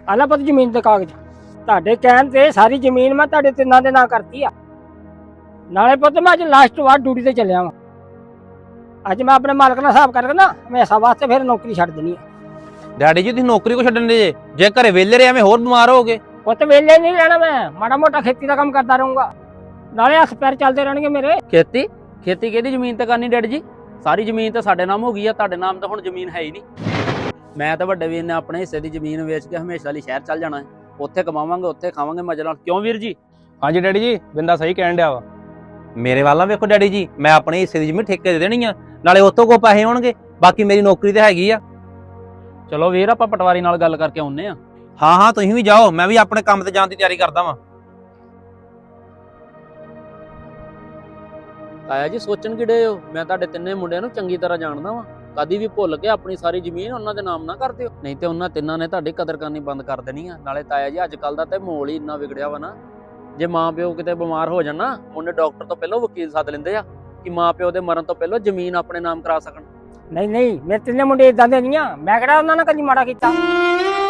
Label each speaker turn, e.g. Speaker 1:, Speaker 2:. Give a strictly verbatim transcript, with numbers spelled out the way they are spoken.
Speaker 1: ਆਲਾ ਪੁੱਤ ਜ਼ਮੀਨ ਦੇ ਕਾਗਜ਼ ਤੁਹਾਡੇ ਕਹਿਣ ਤੇ ਸਾਰੀ ਜ਼ਮੀਨ ਮੈਂ ਤੁਹਾਡੇ ਤਿੰਨਾਂ ਦੇ ਨਾਂ ਕਰਤੀ ਆ। ਨਾਲੇ ਪੁੱਤ ਮੈਂ ਅੱਜ ਲਾਸਟ ਵਾਰ ਡਿਊਟੀ ਤੇ ਚੱਲਿਆ ਵਾਂ। ਅੱਜ ਮੈਂ ਆਪਣੇ ਮਾਲਕ ਨਾਲ ਹਿਸਾਬ ਕਰਕੇ ਨਾ ਹਮੇਸ਼ਾ ਵਾਸਤੇ ਫਿਰ ਨੌਕਰੀ ਛੱਡ ਦੇਣੀ ਆ।
Speaker 2: ਡੈਡੀ ਜੀ ਤੁਸੀਂ ਨੌਕਰੀ ਕੋ ਛੱਡਣ ਦੇ ਜੇ ਜੇ ਘਰੇ ਵਿਹਲੇ ਰਹੇ ਐਵੇਂ ਹੋਰ ਬਿਮਾਰ ਹੋਗੇ।
Speaker 1: ਪੁੱਤ ਵੇਲੇ ਨਹੀਂ ਰਹਿਣਾ, ਮੈਂ ਮਾੜਾ ਮੋਟਾ ਖੇਤੀ ਦਾ ਕੰਮ ਕਰਦਾ ਰਹੂੰਗਾ, ਨਾਲੇ ਹੱਥ ਪੈਰ ਚੱਲਦੇ ਰਹਿਣਗੇ ਮੇਰੇ।
Speaker 3: ਖੇਤੀ ਖੇਤੀ ਕਿਹਦੀ ਜ਼ਮੀਨ ਤੇ ਕਰਨੀ ਡੈਡੀ ਜੀ? ਸਾਰੀ ਜ਼ਮੀਨ ਤਾਂ ਸਾਡੇ ਨਾਮ ਹੋ ਗਈ ਆ, ਤੁਹਾਡੇ ਨਾਮ ਤਾਂ ਹੁਣ ਜ਼ਮੀਨ ਹੈ ਹੀ ਨਹੀਂ। ਮੈਂ ਤਾਂ ਵੱਡੇ ਵੀਰ ਨੇ ਆਪਣੇ ਹਿੱਸੇ ਦੀ ਜ਼ਮੀਨ ਵੇਚ ਕੇ ਹਮੇਸ਼ਾ ਲਈ ਸ਼ਹਿਰ ਚੱਲ ਜਾਣਾ ਹੈ। ਉੱਥੇ ਕਮਾਵਾਂਗੇ, ਉੱਥੇ ਖਾਵਾਂਗੇ ਮਜ਼ੇ ਨਾਲ। ਕਿਉਂ ਵੀਰ ਜੀ?
Speaker 4: ਹਾਂਜੀ ਡੈਡੀ ਜੀ, ਬਿੰਦਾ ਸਹੀ ਕਹਿਣ ਡਿਆ ਵਾ।
Speaker 2: ਮੇਰੇ ਵੱਲ ਨਾ ਵੇਖੋ ਡੈਡੀ ਜੀ, ਮੈਂ ਆਪਣੇ ਹਿੱਸੇ ਦੀ ਜ਼ਮੀਨ ਠੇਕੇ ਦੇ ਦੇਣੀ ਆ, ਨਾਲੇ ਉਤੋਂ ਕੋ ਪੈਸੇ ਹੋਣਗੇ। ਬਾਕੀ ਮੇਰੀ ਨੌਕਰੀ ਤੇ ਹੈਗੀ ਆ।
Speaker 3: ਚਲੋ ਵੀਰ, ਆਪਾਂ ਪਟਵਾਰੀ ਨਾਲ ਗੱਲ ਕਰਕੇ ਆਉਂਦੇ ਆ।
Speaker 2: ਹਾਂ ਹਾਂ ਤੁਸੀਂ ਵੀ ਜਾਓ, ਮੈਂ ਵੀ ਆਪਣੇ ਕੰਮ ਤੇ ਜਾਣ ਦੀ ਤਿਆਰੀ ਕਰਦਾ ਵਾਂ।
Speaker 3: ਤਾਇਆ ਜੀ ਸੋਚਣ ਕਿਹੜੇ ਹੋ? ਮੈਂ ਤੁਹਾਡੇ ਤਿੰਨੇ ਮੁੰਡਿਆਂ ਨੂੰ ਚੰਗੀ ਤਰ੍ਹਾਂ ਜਾਣਦਾ ਵਾਂ। ਕਦੀ ਵੀ ਭੁੱਲ ਕੇ ਆਪਣੀ ਸਾਰੀ ਜ਼ਮੀਨ ਉਹਨਾਂ ਦੇ ਨਾਮ ਨਾ ਕਰ ਦਿਓ, ਨਹੀਂ ਤੇ ਉਹਨਾਂ ਤਿੰਨਾਂ ਨੇ ਤੁਹਾਡੀ ਕਦਰ ਕਰਨੀ ਬੰਦ ਕਰ ਦੇਣੀ ਆ। ਨਾਲੇ ਤਾਇਆ ਜੀ ਅੱਜ ਕੱਲ ਦਾ ਤੇ ਮਾਹੌਲ ਹੀ ਇੰਨਾ ਵਿਗੜਿਆ ਵਾ ਨਾ, ਜੇ ਮਾਂ ਪਿਓ ਕਿਤੇ ਬਿਮਾਰ ਹੋ ਜਾਣ ਨਾ, ਮੁੰਡੇ ਡਾਕਟਰ ਤੋਂ ਪਹਿਲਾਂ ਵਕੀਲ ਸੱਦ ਲੈਂਦੇ ਆ ਕਿ ਮਾਂ ਪਿਓ ਦੇ ਮਰਨ ਤੋਂ ਪਹਿਲਾਂ ਜ਼ਮੀਨ ਆਪਣੇ ਨਾਮ ਕਰਾ ਸਕਣ।
Speaker 1: ਨਹੀਂ ਨਹੀਂ, ਮੇਰੇ ਤਿੰਨੇ ਮੁੰਡੇ ਇਦਾਂ ਦੇ ਨਹੀਂ ਆ, ਮੈਂ ਕਿਹੜਾ ਉਹਨਾਂ ਨਾਲ ਕਦੀ ਮਾੜਾ ਕੀਤਾ।